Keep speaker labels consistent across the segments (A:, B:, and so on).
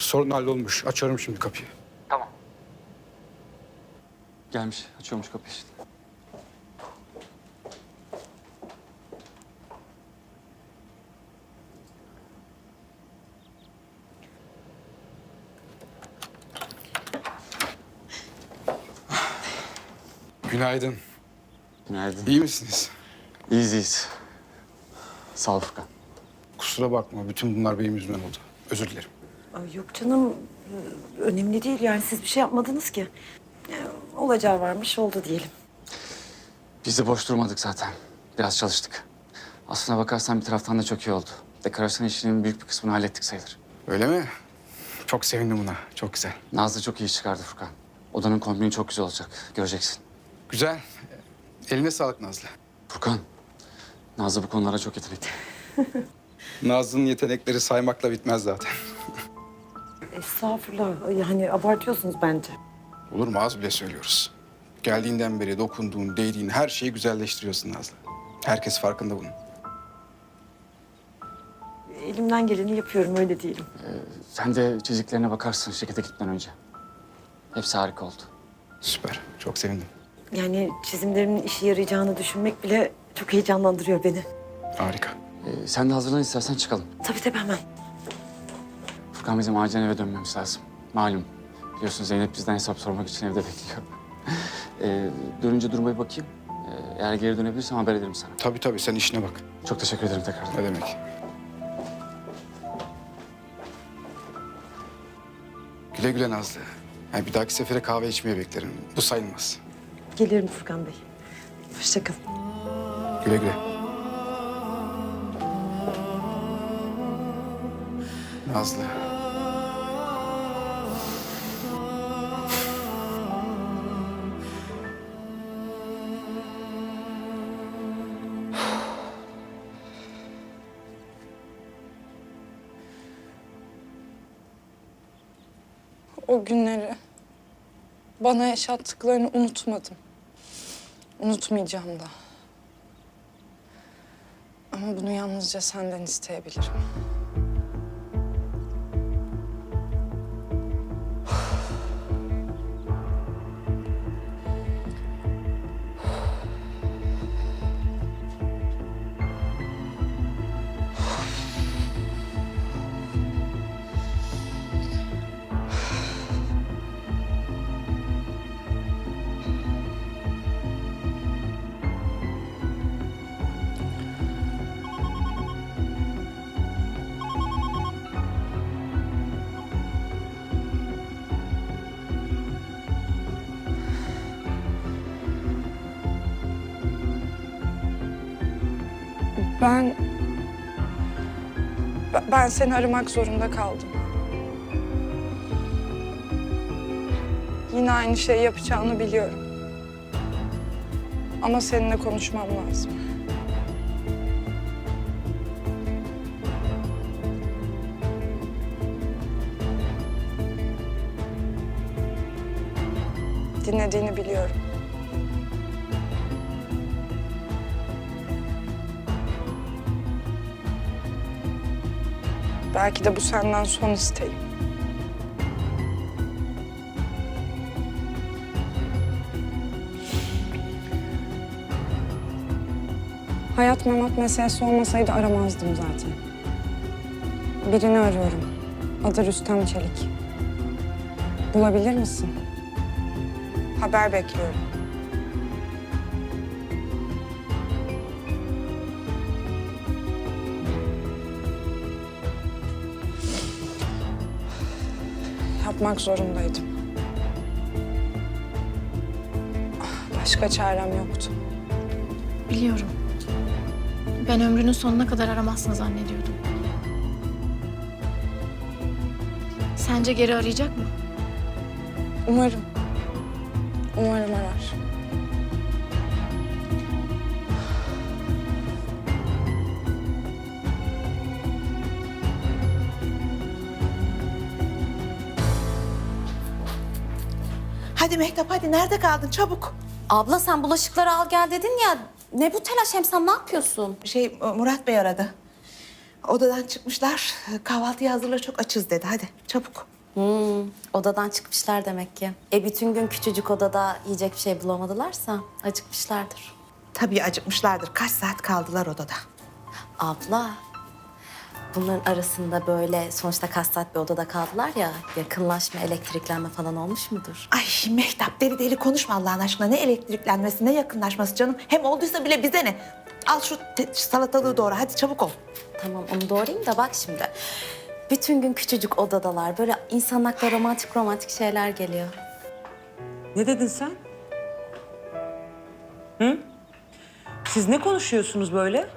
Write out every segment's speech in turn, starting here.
A: sorun hallolmuş. Açıyorum şimdi kapıyı.
B: Tamam. Gelmiş. Açıyormuş kapıyı işte.
A: Günaydın.
B: Günaydın.
A: İyi misiniz?
B: İyiyiz, iyiyiz. Sağ ol Furkan.
A: Kusura bakma. Bütün bunlar benim yüzümden oldu. Özür dilerim.
C: Ay yok canım, önemli değil yani siz bir şey yapmadınız ki. Olacağı varmış, oldu diyelim.
B: Biz de boş durmadık zaten. Biraz çalıştık. Aslına bakarsan bir taraftan da çok iyi oldu. Dekorasyon işinin büyük bir kısmını hallettik sayılır.
A: Öyle mi? Çok sevindim buna. Çok güzel.
B: Nazlı çok iyi çıkardı Furkan. Odanın kombini çok güzel olacak. Göreceksin.
A: Güzel. Eline sağlık Nazlı.
B: Furkan, Nazlı bu konulara çok yetenekli.
A: Nazlı'nın yetenekleri saymakla bitmez zaten.
C: Estağfurullah, yani abartıyorsunuz bence.
A: Olur mu? Az bile söylüyoruz. Geldiğinden beri dokunduğun, değdiğin her şeyi güzelleştiriyorsun Nazlı. Herkes farkında bunun.
C: Elimden geleni yapıyorum, öyle diyelim.
B: Sen de çiziklerine bakarsın şirkete gitmeden önce. Hepsi harika oldu.
A: Süper. Çok sevindim.
C: Yani çizimlerimin işe yarayacağını düşünmek bile çok heyecanlandırıyor beni.
A: Harika.
B: Sen de hazırlan istersen çıkalım.
C: Tabii hemen.
B: Furkan bizim acilen eve dönmemiz lazım. Malum. Biliyorsun Zeynep bizden hesap sormak için evde bekliyor. Dönünce duruma bir bakayım. Eğer geri dönebilirsem haber ederim sana.
A: Tabii sen işine bak.
B: Çok teşekkür ederim tekrar.
A: Ne demek? Güle güle Nazlı. Yani bir dahaki sefere kahve içmeye beklerim. Bu sayılmaz.
C: Gelirim Furkan Bey. Hoşça kalın.
A: Güle güle. Nazlı.
D: O günleri, bana yaşattıklarını unutmadım. Unutmayacağım da. Ama bunu yalnızca senden isteyebilirim. Ben seni aramak zorunda kaldım. Yine aynı şeyi yapacağını biliyorum. Ama seninle konuşmam lazım. Dinlediğini biliyorum. Belki de bu senden son isteğim. Hayat memat meselesi olmasaydı aramazdım zaten. Birini arıyorum. Adı Rüstem Çelik. Bulabilir misin? Haber bekliyorum. Yapmak zorundaydım. Başka çarem yoktu.
E: Biliyorum. Ben ömrünün sonuna kadar aramazsın zannediyordum. Sence geri arayacak mı?
D: Umarım. Umarım arar.
F: Hadi Mehtap hadi nerede kaldın çabuk.
G: Abla sen bulaşıkları al gel dedin ya. Ne bu telaş, hem sen ne yapıyorsun?
F: Murat Bey aradı. Odadan çıkmışlar. Kahvaltıyı hazırla çok açız dedi. Hadi çabuk.
G: Odadan çıkmışlar demek ki. Bütün gün küçücük odada yiyecek bir şey bulamadılarsa acıkmışlardır.
F: Tabii acıkmışlardır. Kaç saat kaldılar odada?
G: Abla, bunların arasında böyle sonuçta kaç saat bir odada kaldılar ya, yakınlaşma, elektriklenme falan olmuş mudur?
F: Ay Mehtap deli deli konuşma Allah'ın aşkına. Ne elektriklenmesi ne yakınlaşması canım. Hem olduysa bile bize ne? Al şu salatalığı doğra hadi çabuk ol.
G: Tamam, onu doğrayayım da bak şimdi. Bütün gün küçücük odadalar. Böyle insanın aklına romantik şeyler geliyor.
H: Ne dedin sen? Hı? Siz ne konuşuyorsunuz böyle?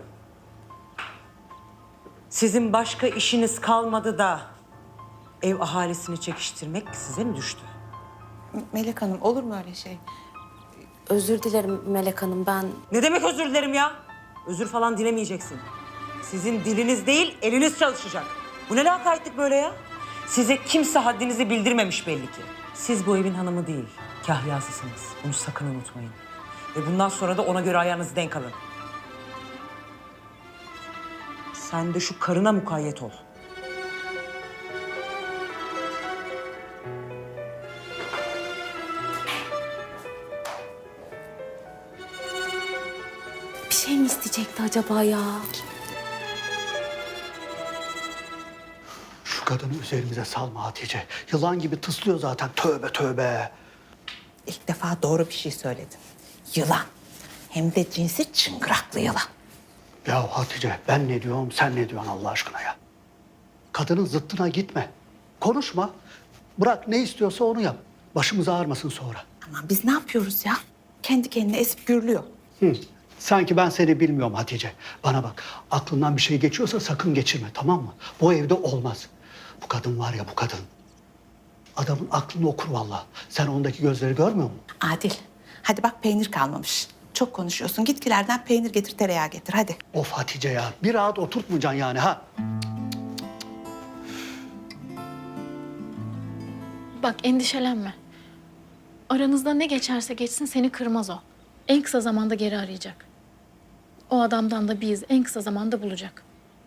H: Sizin başka işiniz kalmadı da ev ahalisini çekiştirmek size mi düştü?
F: Melek Hanım olur mu öyle şey?
G: Özür dilerim Melek Hanım, ben...
H: Ne demek özür dilerim ya? Özür falan dilemeyeceksin. Sizin diliniz değil, eliniz çalışacak. Bu ne lakaytlık böyle ya? Size kimse haddinizi bildirmemiş belli ki. Siz bu evin hanımı değil, kahyasısınız. Bunu sakın unutmayın. Ve bundan sonra da ona göre ayağınızı denk alın. Sen de şu karına mukayyet ol.
G: Bir şey mi isteyecekti acaba ya?
I: Şu kadını üzerimize salma Hatice. Yılan gibi tıslıyor zaten. Tövbe tövbe.
F: İlk defa doğru bir şey söyledin. Yılan. Hem de cinsi çıngıraklı yılan.
I: Ya Hatice ben ne diyorum sen ne diyorsun Allah aşkına ya. Kadının zıttına gitme. Konuşma. Bırak ne istiyorsa onu yap. Başımız ağrımasın sonra.
F: Aman biz ne yapıyoruz ya? Kendi kendine esip gürlüyor.
I: Sanki ben seni bilmiyorum Hatice. Bana bak aklından bir şey geçiyorsa sakın geçirme tamam mı? Bu evde olmaz. Bu kadın var ya bu kadın. Adamın aklını okur vallahi. Sen ondaki gözleri görmüyor musun?
F: Adil. Hadi bak peynir kalmamış. Çok konuşuyorsun. Gitkilerden peynir getir, tereyağı getir. Hadi.
I: Of Hatice ya. Bir rahat oturtmayacaksın yani ha.
E: Bak endişelenme. Aranızda ne geçerse geçsin seni kırmaz o. En kısa zamanda geri arayacak. O adamdan da biz en kısa zamanda bulacak.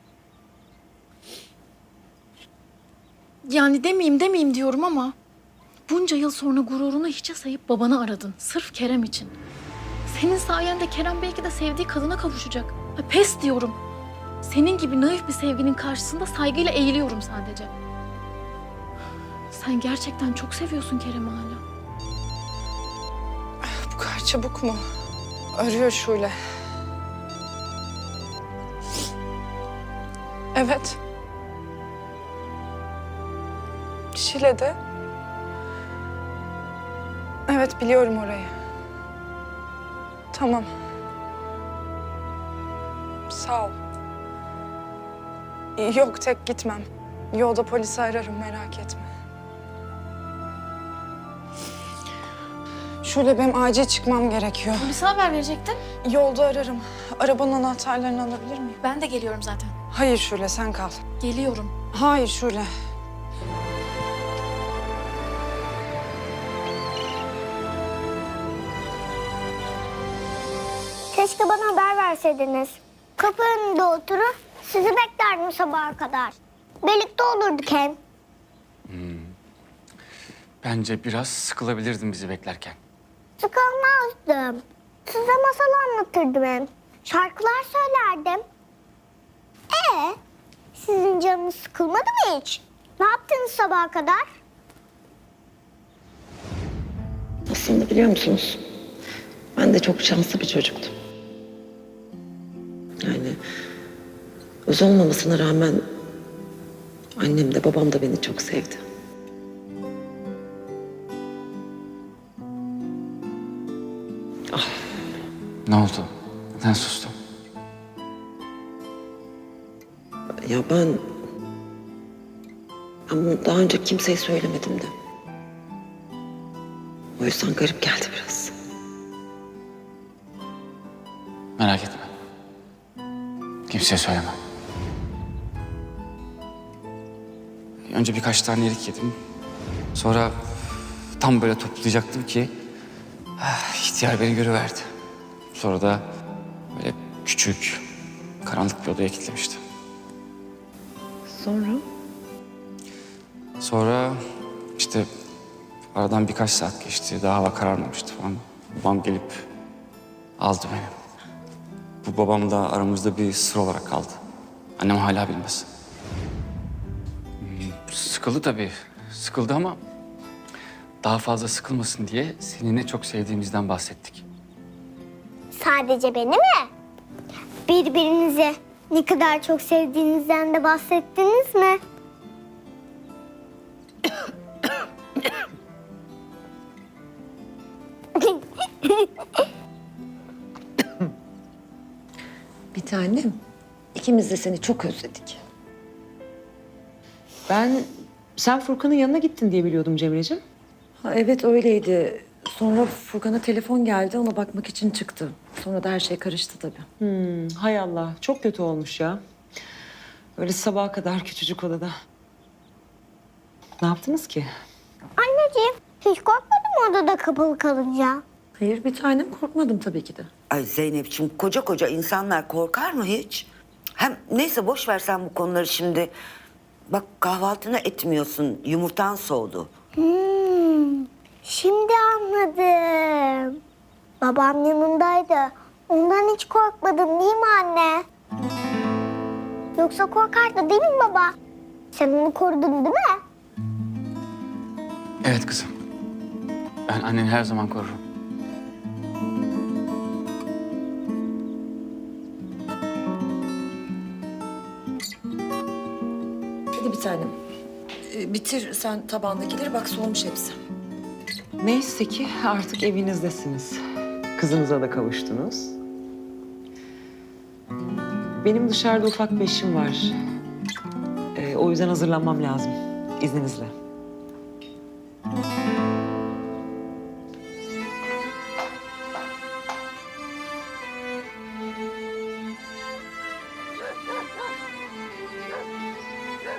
E: Yani demeyeyim diyorum ama... Bunca yıl sonra gururunu hiçe sayıp babanı aradın. Sırf Kerem için. Senin sayende Kerem belki de sevdiği kadına kavuşacak. Pes diyorum. Senin gibi naif bir sevginin karşısında saygıyla eğiliyorum sadece. Sen gerçekten çok seviyorsun Kerem'i hala.
D: Bu kadar çabuk mu? Arıyor Şule. Evet. Şile'de. Evet, biliyorum orayı. Tamam. Sağ ol. Yok, tek gitmem. Yolda polisi ararım, merak etme. Şule, benim acil çıkmam gerekiyor.
E: Polise haber verecektin.
D: Yolda ararım. Arabanın anahtarlarını alabilir miyim?
E: Ben de geliyorum zaten.
D: Hayır Şule, sen kal.
E: Geliyorum.
D: Hayır Şule.
J: Keşke bana haber verseydiniz. Kapı önünde oturur, sizi beklerdim sabaha kadar. Birlikte olurduk hem.
B: Bence biraz sıkılabilirdin bizi beklerken.
J: Sıkılmazdım. Size masal anlatırdım hem. Şarkılar söylerdim. Sizin canınız sıkılmadı mı hiç? Ne yaptınız sabaha kadar?
C: Aslında biliyor musunuz? Ben de çok şanslı bir çocuktum. Yani öz olmamasına rağmen annem de babam da beni çok sevdi.
B: Ne oldu? Neden sustun?
C: Ya ben bunu daha önce kimseye söylemedim de. O yüzden garip geldi biraz.
B: Merak etme. Kimseye söylemem. Önce birkaç tane erik yedim. Sonra tam böyle toplayacaktım ki ihtiyar beni görüverdi. Sonra da böyle küçük, karanlık bir odaya kilitlemişti.
C: Sonra?
B: Sonra işte aradan birkaç saat geçti. Daha hava kararmamıştı falan. Babam gelip aldı beni. Bu babam da aramızda bir sır olarak kaldı. Annem hala bilmez. Sıkıldı tabii. Sıkıldı ama daha fazla sıkılmasın diye seni ne çok sevdiğimizden bahsettik.
J: Sadece beni mi? Birbirinizi ne kadar çok sevdiğinizden de bahsettiniz mi?
C: Bir tanem, ikimiz de seni çok özledik.
H: Sen Furkan'ın yanına gittin diye biliyordum Cemre'ciğim.
C: Ha, evet öyleydi. Sonra Furkan'a telefon geldi, ona bakmak için çıktı. Sonra da her şey karıştı tabii.
H: Hay Allah, çok kötü olmuş ya. Öyle sabaha kadar küçücük odada. Ne yaptınız ki?
J: Anneciğim hiç korkmadın mı odada kapalı kalınca?
C: Hayır bir tanem, korkmadım tabii ki de.
K: Ay Zeynep'ciğim koca insanlar korkar mı hiç? Hem neyse boş ver sen bu konuları şimdi. Bak kahvaltını etmiyorsun, yumurtan soğudu.
J: Şimdi anladım. Babam yanındaydı. Ondan hiç korkmadın değil mi anne? Yoksa korkardı değil mi baba? Sen onu korudun değil mi?
B: Evet kızım. Ben anneni her zaman korurum.
C: Hadi bir tanem. Bitir sen tabağındakileri, bak soğumuş hepsi.
H: Neyse ki artık evinizdesiniz. Kızınıza da kavuştunuz. Benim dışarıda ufak bir işim var. O yüzden hazırlanmam lazım. İzninizle.